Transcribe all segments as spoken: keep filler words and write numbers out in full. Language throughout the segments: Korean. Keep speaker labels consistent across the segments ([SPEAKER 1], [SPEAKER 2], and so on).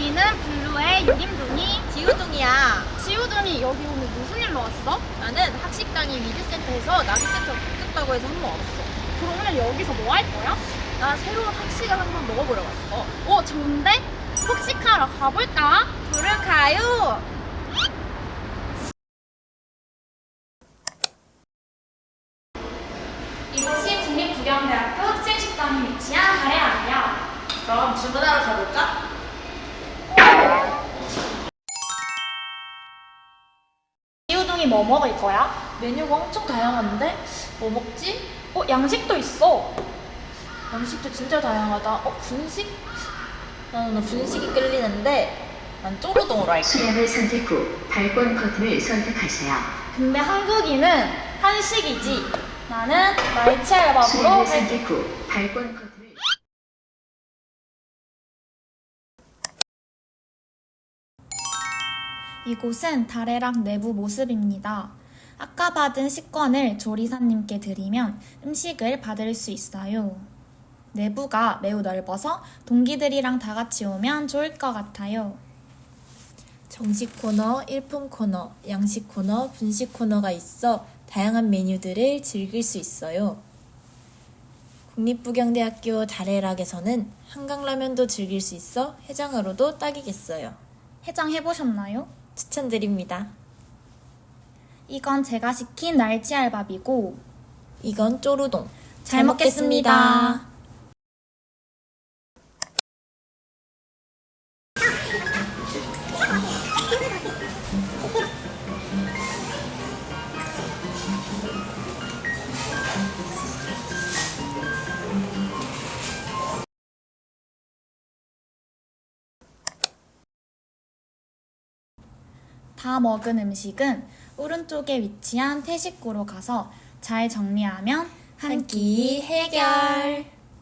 [SPEAKER 1] 우리는 블루의 유림둥이
[SPEAKER 2] 지우둥이야.
[SPEAKER 1] 지우둥이. 여기 오늘 무슨 일로 왔어?
[SPEAKER 2] 나는 학식당이 위드센터에서 나비센터 붙었다고 해서 한 번 왔어.
[SPEAKER 1] 그럼 오늘 여기서 뭐 할 거야?
[SPEAKER 2] 나 새로운 학식을 한번 먹어보러 왔어.
[SPEAKER 1] 어, 좋은데? 폭식하러 가볼까?
[SPEAKER 2] 부르카요.
[SPEAKER 1] 이곳이 국립국영대학교 학생식당이 위치한 다래학이야.
[SPEAKER 2] 그럼 주문하러 가볼까?
[SPEAKER 1] 지우둥이 뭐 먹을 거야?
[SPEAKER 2] 메뉴가 엄청 다양한데? 뭐 먹지?
[SPEAKER 1] 어, 양식도 있어.
[SPEAKER 2] 양식도 진짜 다양하다. 어, 분식? 나는 분식이 끌리는데 난 쪼르동으로 할게.
[SPEAKER 3] 수량을 선택 후 발권 버튼을 선택하세요.
[SPEAKER 1] 근데 한국인은 한식이지. 나는 날치알밥으로
[SPEAKER 3] 수량을
[SPEAKER 1] 할게.
[SPEAKER 3] 선택 후 발권 버튼을
[SPEAKER 4] 이곳은 다래락 내부 모습입니다. 아까 받은 식권을 조리사님께 드리면 음식을 받을 수 있어요. 내부가 매우 넓어서 동기들이랑 다 같이 오면 좋을 것 같아요. 정식 코너, 일품 코너, 양식 코너, 분식 코너가 있어 다양한 메뉴들을 즐길 수 있어요. 국립부경대학교 다래락에서는 한강라면도 즐길 수 있어 해장으로도 딱이겠어요. 해장 해보셨나요? 추천드립니다. 이건 제가 시킨 날치알밥이고 이건 쪼르동. 잘 먹겠습니다. 다 먹은 음식은 오른쪽에 위치한 태식구로 가서 잘 정리하면 한 끼 해결!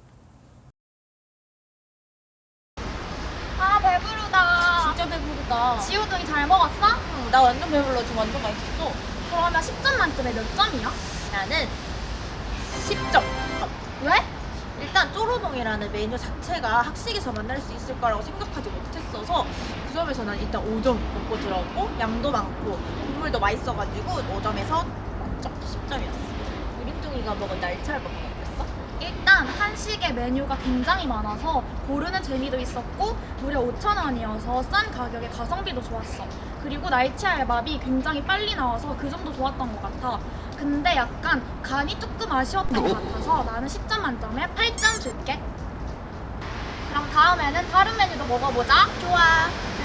[SPEAKER 1] 아, 배부르다.
[SPEAKER 2] 진짜 배부르다.
[SPEAKER 1] 지우둥이 잘 먹었어?
[SPEAKER 2] 응, 나 완전 배불러. 지금 완전 맛있어.
[SPEAKER 1] 그러면 십 점 만점에 몇 점이야?
[SPEAKER 2] 나는 십 점.
[SPEAKER 1] 왜?
[SPEAKER 2] 일단 쪼르동이라는 메뉴 자체가 학식에서 만날 수 있을 거라고 생각하지 못했어서 그 점에서 난 일단 오 점 먹고 들어오고 양도 많고 국물도 맛있어가지고 오 점에서 만점 십 점이었어. 유림둥이가 먹은 날치알밥 먹었어?
[SPEAKER 1] 일단 한식의 메뉴가 굉장히 많아서 고르는 재미도 있었고 무려 오천 원이어서 싼 가격에 가성비도 좋았어. 그리고 날치알밥이 굉장히 빨리 나와서 그 점도 좋았던 것 같아. 근데 약간 간이 조금 아쉬웠던 것 같아서 나는 십 점 만점에 팔 점 줄게. 그럼 다음에는 다른 메뉴도 먹어보자.
[SPEAKER 2] 좋아.